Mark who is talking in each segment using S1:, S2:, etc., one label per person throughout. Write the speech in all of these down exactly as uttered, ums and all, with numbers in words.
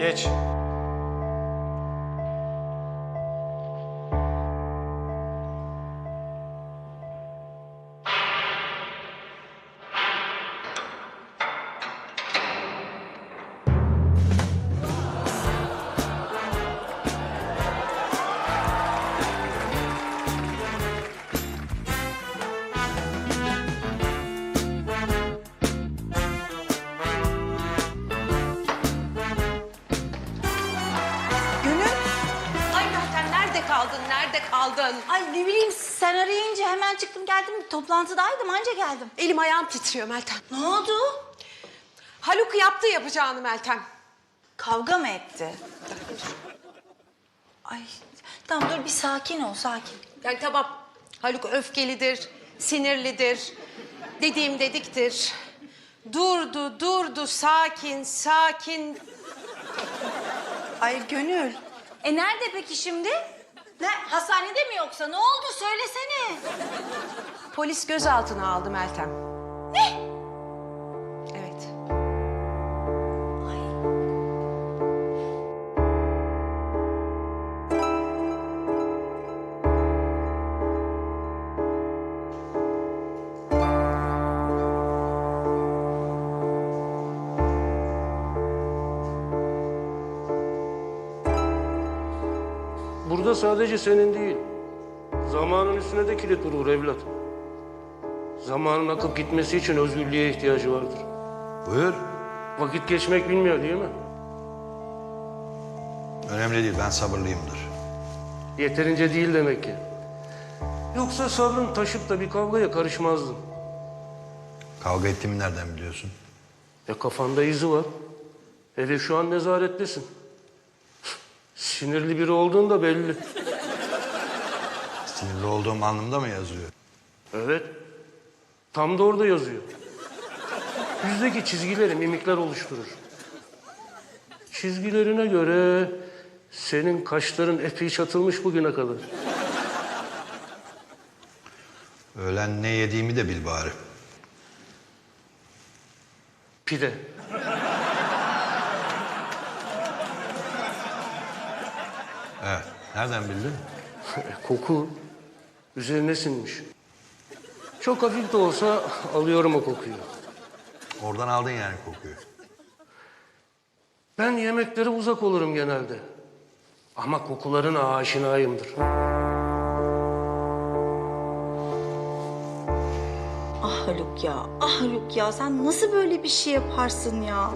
S1: Geç.
S2: kaldın? Nerede kaldın?
S3: Ay ne bileyim sen arayınca hemen çıktım geldim. Toplantıdaydım anca geldim.
S2: Elim ayağım titriyor Meltem.
S3: Ne oldu?
S2: Haluk yaptı yapacağını Meltem.
S3: Kavga mı etti? Ay tamam dur bir sakin ol sakin.
S2: Yani tamam Haluk öfkelidir, sinirlidir. Dediğim dediktir. Durdu, durdu, sakin, sakin.
S3: Ay Gönül. E nerede peki şimdi? Ne hastanede mi yoksa ne oldu söylesene.
S2: Polis gözaltına aldı Meltem.
S3: Ne?
S2: Evet.
S3: Ay.
S4: Burada sadece senin değil, zamanın üstüne de kilit vurur evlat. Zamanın akıp gitmesi için özgürlüğe ihtiyacı vardır.
S5: Buyur.
S4: Vakit geçmek bilmiyor değil mi?
S5: Önemli değil, ben sabırlıyımdır.
S4: Yeterince değil demek ki. Yoksa sabrın taşıp da bir kavgaya karışmazdın.
S5: Kavga ettiğimi nereden biliyorsun?
S4: E kafanda izi var. Hele şu an nezarettesin. Sinirli biri olduğun da belli.
S5: Sinirli olduğum anlamda mı yazıyor?
S4: Evet. Tam da orada yazıyor. Yüzdeki çizgileri mimikler oluşturur. Çizgilerine göre senin kaşların epey çatılmış bugüne kadar.
S5: Öğlen ne yediğimi de bil bari.
S4: Pide.
S5: Evet, nereden bildin?
S4: Koku üzerine sinmiş. Çok hafif de olsa alıyorum o kokuyu.
S5: Oradan aldın yani kokuyu.
S4: Ben yemeklere uzak olurum genelde. Ama kokularına aşinayımdır.
S3: Ah Haluk ya, ah Haluk ya sen nasıl böyle bir şey yaparsın ya?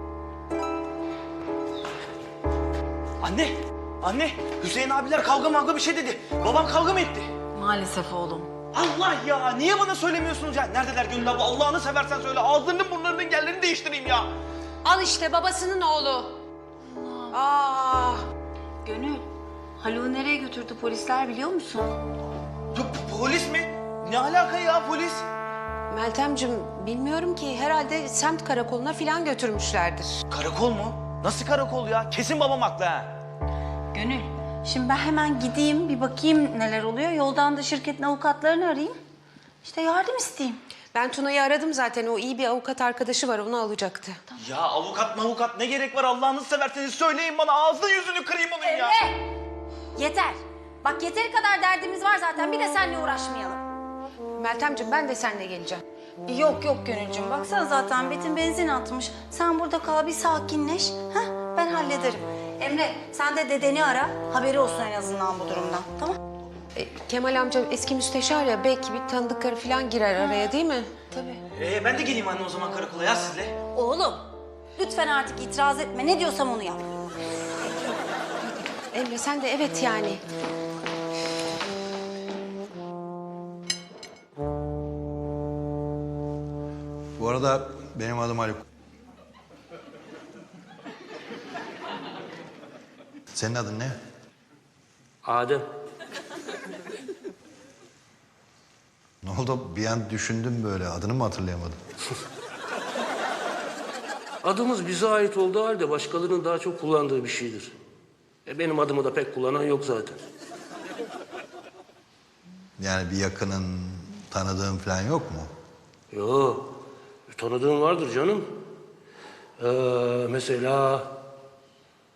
S1: Anne, anne. Hüseyin abiler kavga mavga bir şey dedi. Babam kavga mı etti?
S3: Maalesef oğlum.
S1: Allah ya, niye bana söylemiyorsunuz ya? Neredeler Gönül abla? Allah'ını seversen söyle. Ağızlarının burnlarının yerlerini değiştireyim ya.
S2: Al işte babasının oğlu. Aa,
S3: Gönül, Haluk'u nereye götürdü polisler biliyor musun?
S1: Ya, polis mi? Ne alaka ya polis?
S2: Meltemcim bilmiyorum ki herhalde semt karakoluna falan götürmüşlerdir.
S1: Karakol mu? Nasıl karakol ya? Kesin babam haklı ha.
S3: Gönül, şimdi ben hemen gideyim bir bakayım neler oluyor. Yoldan da şirketin avukatlarını arayayım. İşte yardım isteyeyim.
S2: Ben Tuna'yı aradım zaten. O iyi bir avukat arkadaşı var. Onu alacaktı.
S1: Ya avukat mavukat ne gerek var Allah'ınızı severseniz söyleyin bana. Ağzını yüzünü kırayım onun ya.
S3: Emre! Yeter. Bak yeteri kadar derdimiz var zaten. Bir de seninle uğraşmayalım.
S2: Meltemcim ben de seninle geleceğim.
S3: Yok yok Gönülcüğüm. Baksana zaten Betin benzin atmış. Sen burada kal bir sakinleş. Heh, ben hallederim. Emre sen de dedeni ara. Haberi olsun en azından bu durumdan. Tamam?
S2: E, Kemal amca eski müsteşar ya. Belki bir tanıdıkları falan girer araya değil mi?
S3: Tabii.
S1: Ee, ben de geleyim anne o zaman karakola ya sizle.
S3: Oğlum lütfen artık itiraz etme. Ne diyorsam onu yap.
S2: Emre sen de evet yani.
S5: Bu arada benim adım Haluk. Senin adın ne?
S4: Adem.
S5: Ne oldu? Bir an düşündüm böyle. Adını mı hatırlayamadım?
S4: Adımız bize ait olduğu halde başkalarının daha çok kullandığı bir şeydir. E benim adımı da pek kullanan yok zaten.
S5: Yani bir yakının, tanıdığın falan yok mu?
S4: Yo, tanıdığım vardır canım. Ee, mesela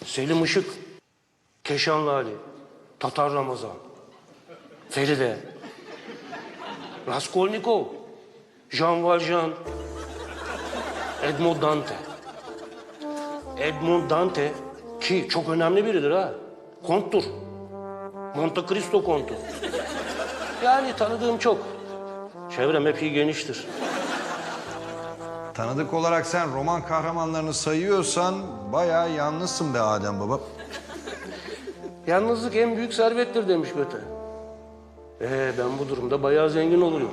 S4: Selim Işık, Keşanlı Ali, Tatar Ramazan, Feride, Raskolnikov, Jean Valjean, Edmond Dante. Edmond Dante ki çok önemli biridir ha. Konttur. Monte Cristo kontu. Yani tanıdığım çok. Çevrem epey geniştir.
S5: Tanıdık olarak sen roman kahramanlarını sayıyorsan bayağı yalnızsın be Adem baba.
S4: Yalnızlık en büyük servettir demiş Göte. Ee, ben bu durumda bayağı zengin olurum.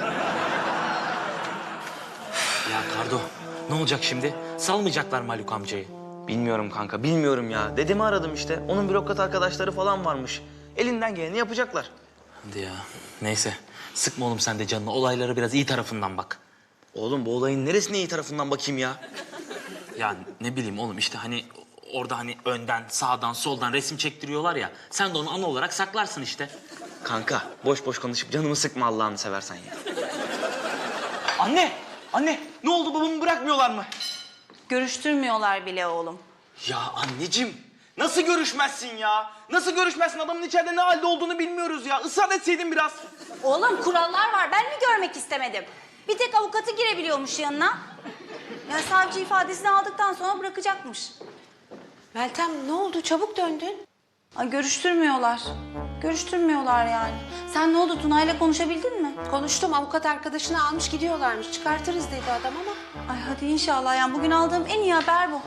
S1: Ya Kardo, ne olacak şimdi? Salmayacaklar mı Haluk amcayı? Bilmiyorum kanka, bilmiyorum ya. Dedemi aradım işte. Onun bürokrat arkadaşları falan varmış. Elinden geleni yapacaklar. Hadi ya. Neyse. Sıkma oğlum sen de canını. Olaylara biraz iyi tarafından bak. Oğlum bu olayın neresine iyi tarafından bakayım ya? Ya ne bileyim oğlum işte hani orada hani önden, sağdan, soldan resim çektiriyorlar ya. Sen de onu ana olarak saklarsın işte. Kanka boş boş konuşup canımı sıkma Allah'ını seversen ya. Anne! Anne! Ne oldu, babamı bırakmıyorlar mı?
S3: Görüştürmüyorlar bile oğlum.
S1: Ya anneciğim, nasıl görüşmezsin ya? Nasıl görüşmezsin? Adamın içeride ne halde olduğunu bilmiyoruz ya. Israr etseydin biraz.
S3: Oğlum kurallar var. Ben mi görmek istemedim? Bir tek avukatı girebiliyormuş yanına. Ya savcı ifadesini aldıktan sonra bırakacakmış.
S2: Meltem ne oldu? Çabuk döndün.
S3: Ay görüştürmüyorlar. Görüştürmüyorlar yani. Sen ne oldu, Tuna'yla konuşabildin mi?
S2: Konuştum, avukat arkadaşını almış gidiyorlarmış. Çıkartırız dedi adam ama.
S3: Ay hadi inşallah, yani bugün aldığım en iyi haber bu.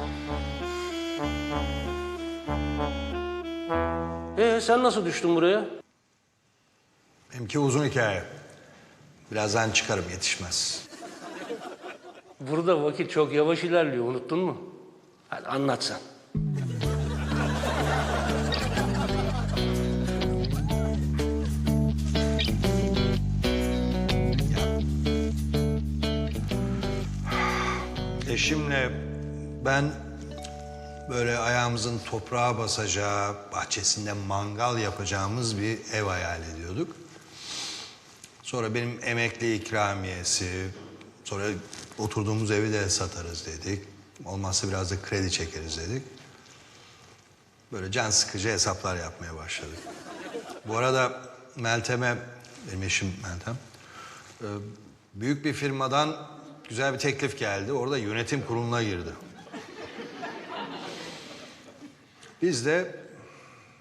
S4: Ee, sen nasıl düştün buraya?
S5: Benimki uzun hikaye. Birazdan çıkarım, yetişmez.
S4: Burada vakit çok yavaş ilerliyor, unuttun mu? Hadi anlat sen.
S5: Eşimle ben böyle ayağımızın toprağa basacağı, bahçesinde mangal yapacağımız bir ev hayal ediyorduk. Sonra benim emekli ikramiyesi, sonra oturduğumuz evi de satarız dedik. Olmazsa biraz da kredi çekeriz dedik. Böyle can sıkıcı hesaplar yapmaya başladık. Bu arada Meltem'e, benim eşim Meltem, e, büyük bir firmadan güzel bir teklif geldi. Orada yönetim kuruluna girdi. Biz de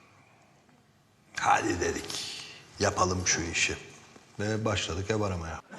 S5: hadi dedik, yapalım şu işi. Ve başladık ev aramaya.